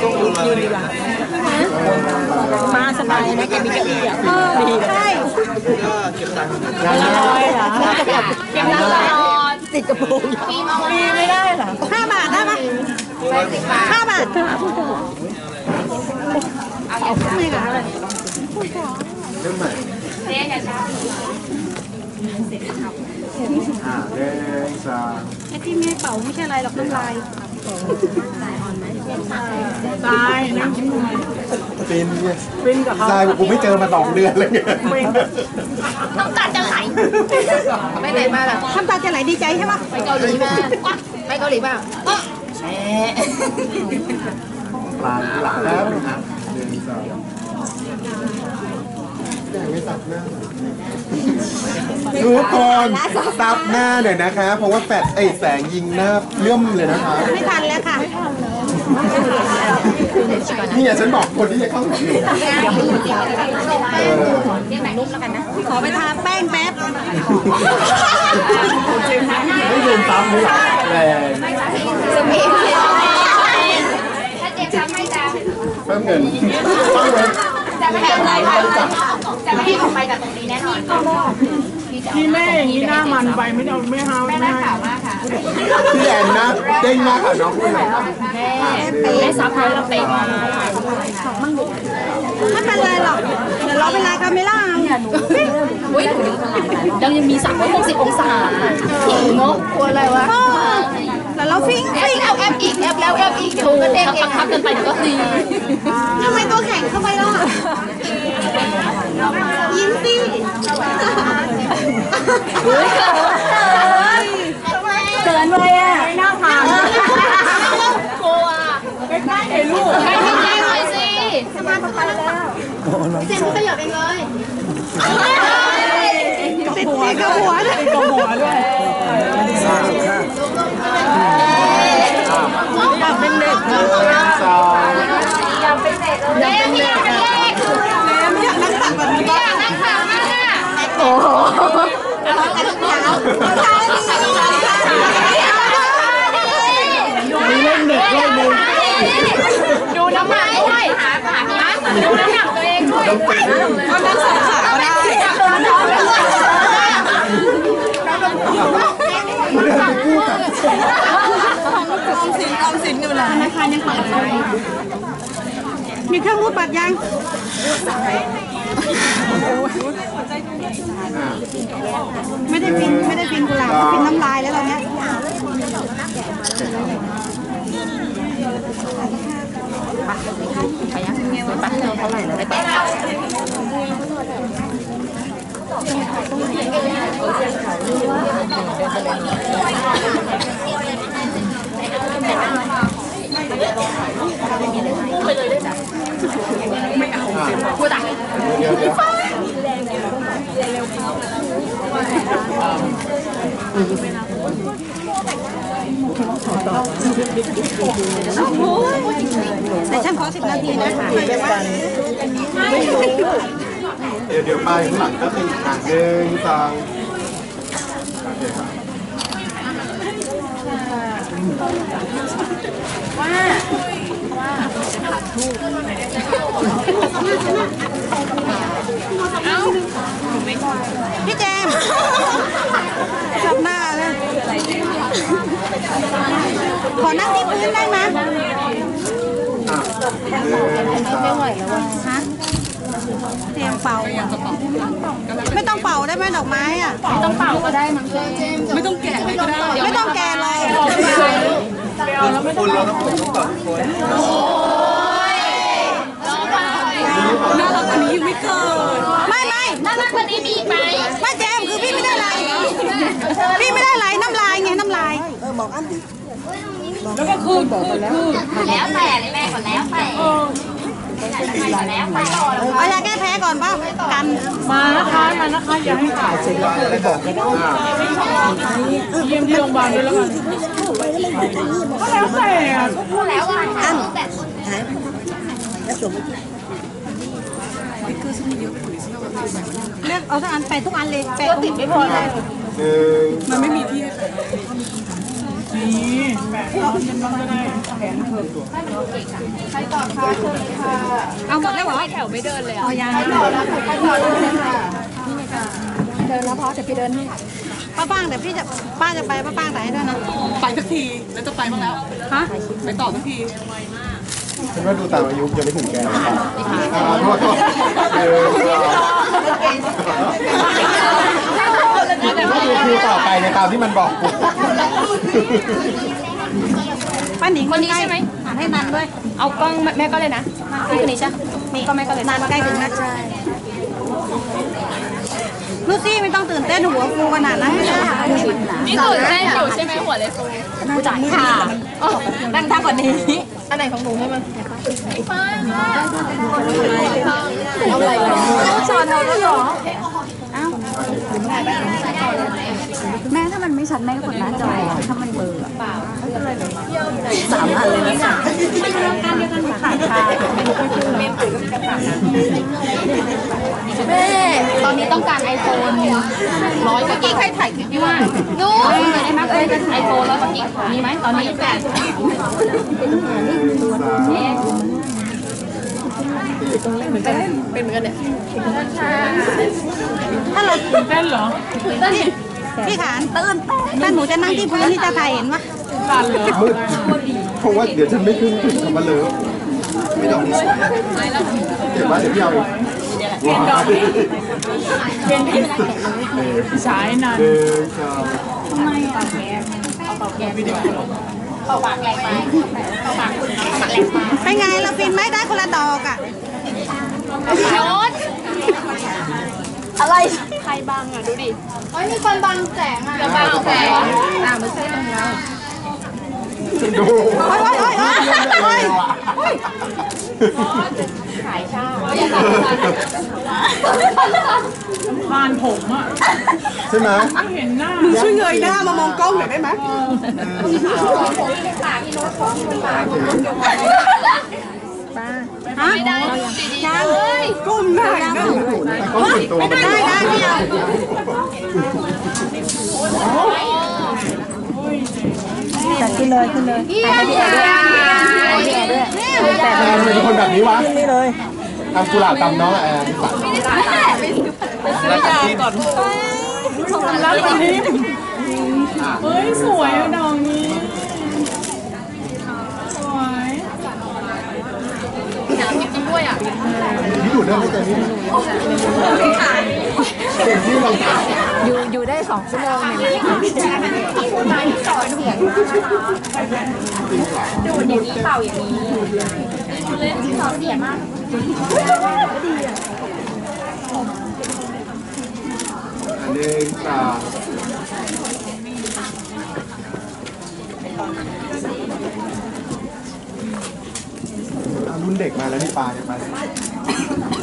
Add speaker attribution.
Speaker 1: ยืนดีกว่ามาสบายนะแกมีเก้าอี้อ่ะดีใช่เก็บตังค์เหรอเก็บตังค์ติดกระโปรงมีไม่ได้เหรอ5 บาทได้ไหม5 บาทไม่ค่ะอะไร
Speaker 2: เริ่มใหม่เรียนอย่าช้าเรียนช้า
Speaker 1: ไอ้ที่ไม่เป่าไม่ใช่อะไรหรอกน้ำลายตายนั่งยิ้มทำไม
Speaker 2: ฟินกับเขาทรายกูไม่เจอมา2 เดือนเลย
Speaker 1: น้ำตาจะไหลไปไหนมาล่ะน้ำตาจะไหลดีใจใช่ปะไปเกาหลีมาไปเกาหลีป่ะ
Speaker 2: ปลาหลาแล้วเรียนช้าไม่ตัดหน้าทุกคนตับหน้าหน่อยนะคะ เพราะว่าแสงยิงหน้าเลื่อมเลยนะคะ
Speaker 1: ไม่ทันแล้วค่ะ
Speaker 2: นี่ฉันบอกคนที่จะเข้าถึง
Speaker 1: นุ่มแล้วกันนะขอไปทาแป้งแป๊บ
Speaker 2: ไม่ยืนตามเลยแรง
Speaker 3: ถ้าเจ็บช้ำไม่จ้า
Speaker 2: เพิ่มเงินเพิ่มเงิน
Speaker 3: จะไม่ให้ออกไปจากตรงนี้แน่นอน
Speaker 1: พี่แม่อย่างนี้หน้ามันไปไม่เอาไม่ห้าว
Speaker 3: แม่น่าขาวมากค่ะ
Speaker 2: พี่แอนนะเด้งมากค่ะน้องคุณ
Speaker 3: แม่ซับให้เราเตะมา
Speaker 1: ไม่เป็นไรหรอกเดี๋ยวเราเป็นไรคาเมล่า
Speaker 3: อุ้ยเรายังมี360 องศาถิงเนาะกลัวอะไรวะ
Speaker 1: แล้วเราฟิ้ง
Speaker 3: แอบอีกแอบแล้วแอบอีกถูกก็เด้งเองทับกันไปก็ดี
Speaker 1: ทำไมตัวแข็งเข้าไปล่ะยิ้มสิเกินเลยอ่ะหน้าผาก
Speaker 3: กลัว
Speaker 1: ใกล้ๆลูก
Speaker 3: ใกล้ๆหน่อยสิ
Speaker 1: สมาธิไปแล้วเจนขยับเองเลยติดกับหัวด้วยอยากเป็นเด็ก
Speaker 3: อยากเป็นเด็กเลยอยากเป็นเด็ก
Speaker 1: อยากนั่งตักแบบนี้
Speaker 3: อยากนั่งขามา
Speaker 1: โอ้โหมีเล่นเด็กด้วย
Speaker 3: ดูน้ำหนักด้วยดูน้ำหนักตัวเองด้วย
Speaker 1: ก็นั่งสองขาก็ได้ออมสินอยู่นะธนาคารยังเปิดมีเครื่องรูดบัตรยังไม่ได้ฟินกุหลาบฟินน้ำลายแล้วตอนนี้
Speaker 3: ไปยังไปเท่าไหร่แล้วไปเต้นไม่เอาพูดอ่ะ
Speaker 1: แต่ฉันขอ10 นาทีนะ
Speaker 2: เดี๋ยวไปข้างหลังก็คือหางเดินตามโอเคครับ
Speaker 3: ว่า
Speaker 1: พี่แจมจับหน้าเลยขอนั่งที่พื้นได้ไหม
Speaker 3: ไม่ไหวแล้ววะ
Speaker 1: ฮะเตรียมเป่าไม่ต้องเป่าได้ไหมดอกไม้อ่ะ
Speaker 3: ไม่ต้องเป่าก็ได้มั้ง
Speaker 1: ไม่ต้องแกะก็ได้ไม่ต้องแกะเลย
Speaker 2: คุณเราต้องผมต้องก่อนคน
Speaker 1: น่ารักกว่านี้ไม่เกินไม่
Speaker 3: น่ารักกว่านี้มีไหม
Speaker 1: ไม่แจมคือพี่ไม่ได้ไรน้ำลายไงน้ำลายบอกอันดิแล้วก็คืน
Speaker 3: แล้วแต่เลยแม่ก่อนแล้วแต่
Speaker 1: เอายาแก้แพ้ก่อนป่ะกัน
Speaker 4: มานะคะอย่าให้ถ่ายเสร็จแล้วไปบอกกันเยี่ยมที่โรงพยาบาลด้วยแล้วกันก็แล้วแต่
Speaker 3: แล้ว
Speaker 1: อันเลือกเอาทั้งอันแปะทุกอันเลยแปะติดไม่พอเลย
Speaker 2: มันไม่มีที่
Speaker 4: นี่แบกน้องจะน้องจะได้แขนเพิ่มตัว
Speaker 1: เอาหมดแล้วเหรอ
Speaker 3: แถวไม่เดินเลยอ่ะ
Speaker 1: เอายัง
Speaker 3: เดินแล้วพอเดี๋ยวพี่เดินให้
Speaker 1: ป้าป้างแต่พี่จะป้าจะไปป้าป้างแต่ให้ด้วยนะ
Speaker 4: ไปสักทีแล้วจะไปบ้างแล้ว
Speaker 1: ฮะ
Speaker 4: ไปต่อสักที
Speaker 2: ฉันว่าดูตามอายุยังไม่ถึงแกเลยครับโทษก็ดูคิวต่อไปในตามที่มันบอกกู
Speaker 1: ป้าหนิง
Speaker 3: คนนี้ใช่ไหม
Speaker 1: ให้นันด้วย
Speaker 3: เอากล้องแม่ก็เลยนะนี่คนนี้ใช่นี่ก็แม่ก็เลย
Speaker 1: นันใกล้ถึงนะใช่ลูซี่ไม่ต้องตื่นเต้นหัวฟูขนาดนั้นไม่ได้
Speaker 3: นี่ตื่นเต้นอยู่ใช่ไหมหัวเลยฟูจ่ายค่ะนั่งท่ากว่านี้อันไหนของหนูให้มันเอาอะไรสอนเราด้วยเหรอ
Speaker 5: แม่ถ้ามันไม่ชัดแม่ก็กดหน้าจอถ้ามันเบลอ3 อันเลยนะค่ะขาดค่ะ
Speaker 3: แม่ตอนนี้ต้องการ iPhone 100กว่ากิกใครถ่ายคลิปพี่ว่าดูได้ไหมiPhone 100กว่ากิกมีไหมตอนนี้แต่ เป็นเหมือนกันเนี่ย
Speaker 1: ถ้าเรา
Speaker 4: เต้นเหรอ
Speaker 1: พี่ขานถ้าหนูจะนั่งที่พื้นนี่จะถ่ายเห็นปะ
Speaker 4: ตันเหรอ
Speaker 2: มืดเพราะว่าเดี๋ยวฉันไม่ขึ้นถึงคำว่าเลิฟไม่ดอกนี้สวยเก็บไว้เดี๋ยวพี่เอาอีกว้าว
Speaker 4: สายนาน
Speaker 2: หนึ่งสอง
Speaker 1: เป็นไงเราฟินไหมได้คนละดอกอ่ะ
Speaker 3: โน้ตอะไรใครบังอ่ะดูดิเฮ้ยมีคนบังแสงอ่ะบังแสงไม่ใช่ตรงเรา
Speaker 2: ดู
Speaker 1: โอ้ยโอ้ยโอ้ยโอ้ยโอ้ย
Speaker 3: ขายชา
Speaker 4: บ้านผมอ่ะ
Speaker 2: ใช่ไหม
Speaker 4: ไม่เห็นหน้า
Speaker 1: ช่วยเงยหน้ามามองกล้องหน่อยได้ไหม
Speaker 3: ไม่ได้ยัง
Speaker 1: ก้มหน้าอีกนะ
Speaker 2: ก็ส่วนตัวมัน
Speaker 1: ได้ได้พี่เอา
Speaker 5: จัดขึ้นเลยขึ้นเลยถ่ายให้พี่แอร์ด้วยแต่
Speaker 2: แอนเป็นคนแบบนี้วะ
Speaker 5: นี่เลย
Speaker 2: ทำกุหลาบตำน้องแอน
Speaker 4: ซื้อยาก่อนแล้ววันนี้เฮ้ยสวยอ่ะดอกนี้สวย
Speaker 3: อยากกินจริงด้วยอ่ะ
Speaker 2: พี่ดูดได้ไหมแต่นี่เก่งที่ลองถาม
Speaker 5: อยู่ได้2 ชั่วโมงเนี่ย
Speaker 3: ดูดอย่างนี้เป่าอย่างนี้สอนเสียมาก
Speaker 2: หนึ่งสองรุ่นเด็กมาแล้วนี่ปลาเนี่ยมา